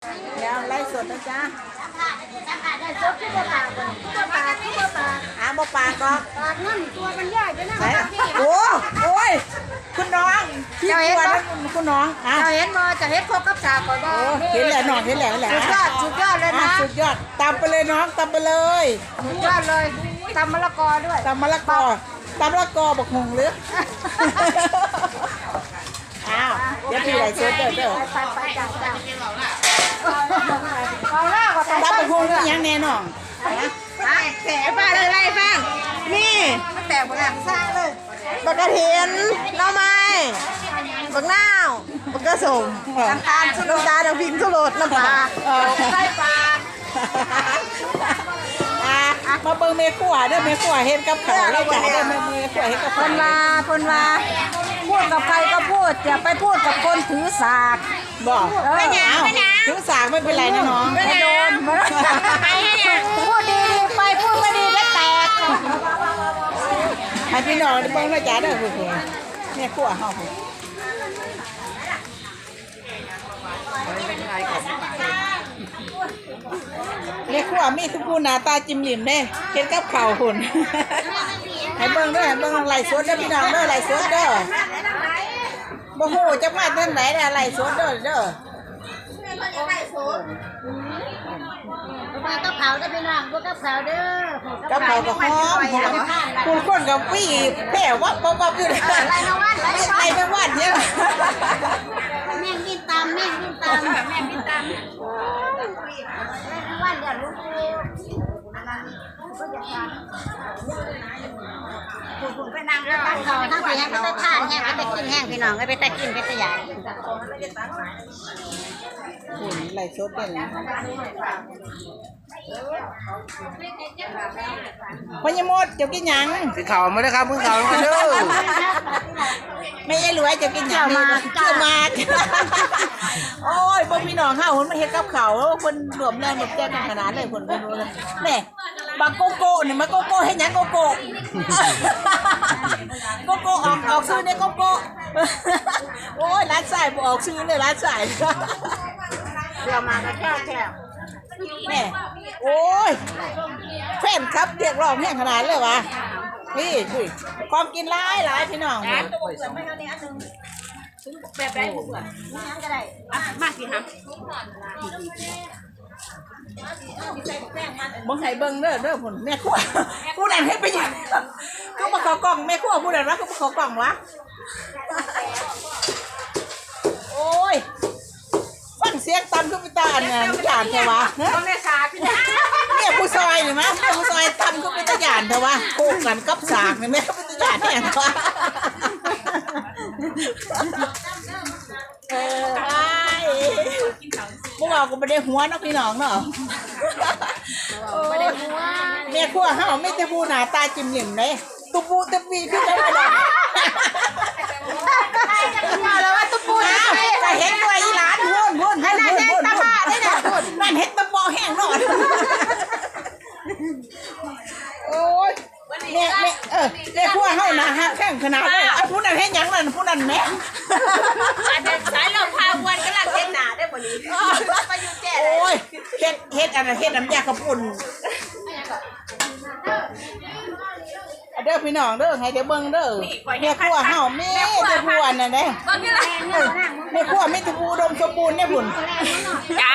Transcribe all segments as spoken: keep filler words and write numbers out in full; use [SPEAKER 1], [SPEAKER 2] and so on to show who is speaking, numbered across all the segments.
[SPEAKER 1] เดี๋ยวไล่สดนะจ๊ะ
[SPEAKER 2] ได้ซุปที่บ่ปากบ่ที่บ่ปากที่บ่ปาก
[SPEAKER 1] อาบ่ปากก็
[SPEAKER 2] ปากนั่นตัวมันใหญ่ไปนะ
[SPEAKER 1] โอ้โอ้ยคุณน้องพี่ตัวนั้นคุณน้องอ่ะ
[SPEAKER 2] จะเห็นบ่จะเห็นครบกับสากก่อนบ่
[SPEAKER 1] เห็นแหละน้องเห็นแหละแหละ
[SPEAKER 2] สุดยอดสุดยอดเลยนะ
[SPEAKER 1] สุดยอดตำไปเลยน้องตำไปเลย
[SPEAKER 2] สุดยอดเลยตำมะละกอด้วย
[SPEAKER 1] ตำมะละกอตำมะละกอบักหงหรืออ้าวเดี๋ยวพี่ไหลเชิญเด้อเด้อ
[SPEAKER 2] ไปไปจ้าจ้าเอาหน้าก็ตำ
[SPEAKER 1] บักหงนี่ยังแน่น้อง
[SPEAKER 2] แฉป้าเลยไล่ฟังนี่มันแตกหมดแล้วสร้างเลยบักกระเทียนน้ำไม้บักนาวบักกระสมน้ำตาลน้ำตาลน้ำพริกทุรสน้ำปลาไส้ปลา
[SPEAKER 1] มาเบิ่งเมฆัวเด้อเมฆัวเฮ็ดกับข้าวได้จ้ะเด้อเมฆัวเฮ็ดกับข้าว
[SPEAKER 2] พนว่าพนว่าพูดกับใครก็พูดอย่าไปพูดกับคนถือสาก
[SPEAKER 1] บอกไม่หยังไม่หยังถือสากไม่เป็นไรนะน้อง
[SPEAKER 2] ไม่โดนพูดดีไปพูดไม่ดีแล้วแตก
[SPEAKER 1] ให้พี่น้องได้เบิ่งนะจ๊ะเด้อเพิ่นเมฆัวเฮาเรียกว่ามีทุกผู้หน้าตาจิ้มหลิมเด้เฮ็ดกับข้าวหุ่นให้เบิ่งเด้อให้เบิ่งไล่สดเด้อพี่น้องเด้อไล่สดเด้อบ่ฮู้จักมาทางไหนน่ะไล่สดเด้อเด้อ
[SPEAKER 2] มากับเขาได้พี่น้องบ่กับเขาเด้อ
[SPEAKER 1] กับข้าวก็หอมคุณคนกับพี่แผ่วับวับอยู่เลย
[SPEAKER 2] ไล่มาวันไล่มาวัน
[SPEAKER 1] ไล่มาวันเนี่ย
[SPEAKER 2] แม่งกินตามแม่งกินตามแม่งกินตามวันเดี๋ยวลูกก็จะทานคุณไปนั่งตั้งเขาทั้งสี่แห้งไปตั้งทานแห้งไปกินแห้งพี่น้องไปตั้งกินไปตั้งใหญ่
[SPEAKER 1] หุ่นไหลชดเป็นพ่อยมดเจ้ากินยัง
[SPEAKER 3] กินข้าวมาได้ครับกินข้าวมาเด้อ
[SPEAKER 1] ไม่ใช่รวยเจ้ากินยังมาเจ้ามาโอ้ยพวกพี่น้องข้าวหุ่นมาเฮ็ดกับข้าวแล้วคนรวมแรงแบบแจ้งขนาดเลยคนไม่รู้เลยแม่บางโกโก้เนี่ยมาโกโก้ให้ยังโกโก้โกโก้ออกออกซื้อเนี่ยโกโก้โอ้ยร้านสายออกซื้อเลยร้านสาย
[SPEAKER 2] เดี๋ยวมาก็แค่แค่
[SPEAKER 1] แม่โอ้ยแฟนครับเรียกร้องแห้งขนาดเลยวะนี่คุยความกินร้ายหลายพี่น้อง
[SPEAKER 2] แบบไรบุกอ่ะยังก็ได้มาสิครับ
[SPEAKER 1] บังไห้เบิ้งเด้อเด้อผลแม่ขั้วผู้ใดให้ไปยังก็มาขอกล่องแม่ขั้วผู้ใดรักก็มาขอกล่องวะโอ้ยฟังเสียงตำก็ไปตาอันเนี่ยจานเถอะวะเนี่ยผู้ซอยนี่มั้ยผู้ซอยตำก็ไปตาจานเถอะวะโคกันกับสากนี่แม่ก็ไปตาจานเนี่ยเถอะวะเออไอ้พวกเราก็ไม่ได้หัวนะพี่น้องเนาะ
[SPEAKER 2] ไม่ได้หัว
[SPEAKER 1] แม่ขั้วเฮาไม่ได้ผู้หน้าตาจิ้มหลิมเลยตุ๊ปูตุ๊ปีพี่ได้ไม่ได้
[SPEAKER 2] แล้วว่าตุ๊ปู
[SPEAKER 1] จะเห็นตัวอีหลานหุ่นหุ่น
[SPEAKER 2] ให้นั่นเห็นตาบ้าได้เนี่ยหุ่น
[SPEAKER 1] นั่นเห็นตะบอแห้งหน่อยโอ้ยแม่แม่เออแม่ขั้วเฮาหน้าฮะแข้งขนาดเลยไอ้ผู้นั้นเห็นยังนั่นผู้นั้นแม่
[SPEAKER 2] สายลมพาวันก็ลังเห็นหน้าได้บ่นี้มาอยู่แก่
[SPEAKER 1] โอ้ยเฮ็ดเฮ็ดอันนั้นเฮ็ดน้ำยากระปุ่นเด้อพี่น้องเด้อให้เดี๋ยวเบิ่งเด้อแม่ขั้วเฮาแม่เด้อผู้อันนั้นเด้แม่ขั้วไม่ถูกอุดมสมบูรณ์เนี่ยพุ่น
[SPEAKER 2] จ้า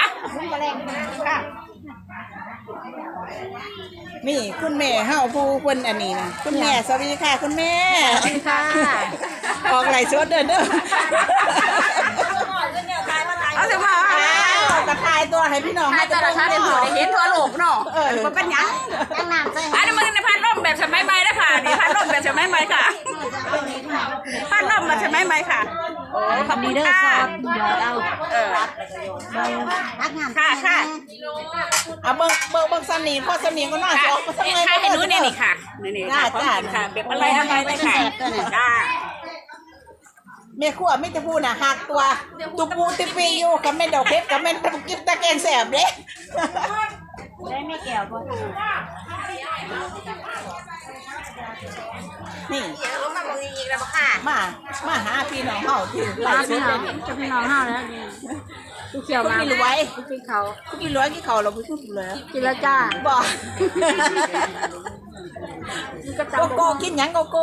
[SPEAKER 1] นี่คุณแม่เฮาผู้คนอันนี้นะคุณแม่สวัสดีค่ะคุณแม่
[SPEAKER 2] สวัสดีค่ะ
[SPEAKER 1] ออกไหลสดเด้อเด้อ
[SPEAKER 2] เอาสิมา
[SPEAKER 1] ตะไคร้ตัวให้พี่น้องให้
[SPEAKER 2] ตะไคร้เดี๋ยวได้เห็นทั่วโลกเนาะ
[SPEAKER 1] เออ
[SPEAKER 2] มันเป็นยังยังน้ำใส่อันนี้มันในพัดลมแบบสมัยใหม่นะค่ะนี่พัดลมแบบสมัยใหม่ค่ะพัดลมแบบสมัยใหม่ค่ะ
[SPEAKER 1] โอ้ขอบคุณค่ะ
[SPEAKER 2] เดี๋ยวเอาเออรักงาน
[SPEAKER 1] ค่ะค่ะเอาเบิ้งเบิ้งเบิ้งสนิมพ่อสนิมก็น่าจะออกมาทั้งเลย
[SPEAKER 2] ให้รู้เนี่ยนี่ค่ะนี่ๆค่ะค่ะแบบอะไรอะไรเลยค่ะจ้า
[SPEAKER 1] แม่ขั้วไม่จะพูดนะหักตัวตุปูติปีอยู่กับแม่ดอกเพชรกับแม่ตะกินตะแกงแสบเลย
[SPEAKER 2] ได้ไม่แก้วบ่
[SPEAKER 1] นี่
[SPEAKER 2] มาบ่อีกแล้วบ่ค่ะ
[SPEAKER 1] มามาหาพี่น้องเฮาที่ไล่
[SPEAKER 2] พี่น้องจะพี่น้องเฮาแล้วเขียว
[SPEAKER 1] คุณ
[SPEAKER 2] มา
[SPEAKER 1] มีรวย
[SPEAKER 2] กินเขา
[SPEAKER 1] คุณมีรวยกี่เขาเราไม่พูดเลย
[SPEAKER 2] กินแล้วจ้า
[SPEAKER 1] บอก
[SPEAKER 2] นี่ก็
[SPEAKER 1] โก
[SPEAKER 2] จำ
[SPEAKER 1] โก้กินยังโกโก้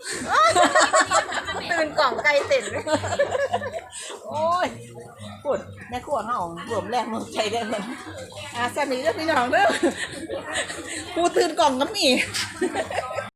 [SPEAKER 2] ตื่นกล่องไก่เต็น
[SPEAKER 1] โอ้ยพูดแม่ขวดเฮารวมแรงรวมใจได้เลยอ่ะสนิทเด้อพี่น้องเด้อกูตื่นกล่องก็มี